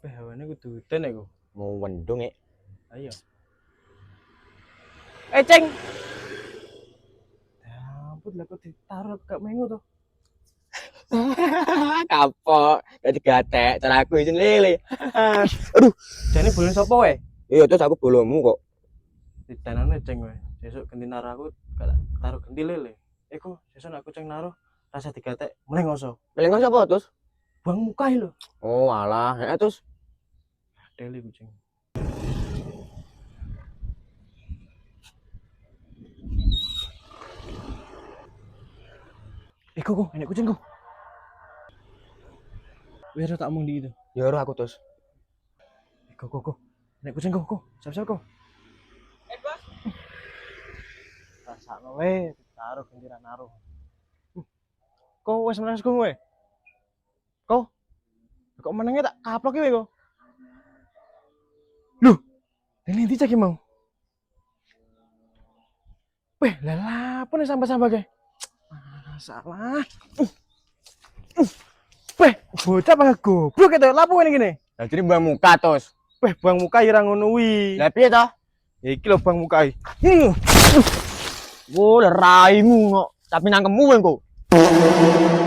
Hawane kudu udan iku. Mau wendung ya. Ayo. Ceng. Ya ampun lah kok ditaruh gak mengu to. Kapok, jadi gatek, cara aku izin lele. Aduh, Jane bulan sapa wae? iya terus aku bolomu kok. Ditanane ceng wae. Sesuk ganti naruh aku gak taruh ganti lele. Iku sesuk aku ceng naruh rasa digatek meneh ngoso. Paling nggak siapa terus? Buang muka lho. Oh alah, ya terus. Deli kucing. Kok enek kucing kok. Wis tak omong di itu. Ya udah aku terus. Kok. Enek kucing kok. Siap-siap kok. Bos. Rasakno wae taruh ganti naruh. Kok wis menes kok wae. Kok menenge tak kaplok iki kok. Loh, ini ndi cek mau? Weh, lah apa nih sampah-sampah kayak? Salah. Weh, bocah apa goblok itu? Lapo ini gini? Lah jadi buang muka terus. Weh, buang muka ira ngono wi. Lah piye toh? Ya iki lho buang muka iki. Oh, raimu kok. Tapi nangkemmu engko.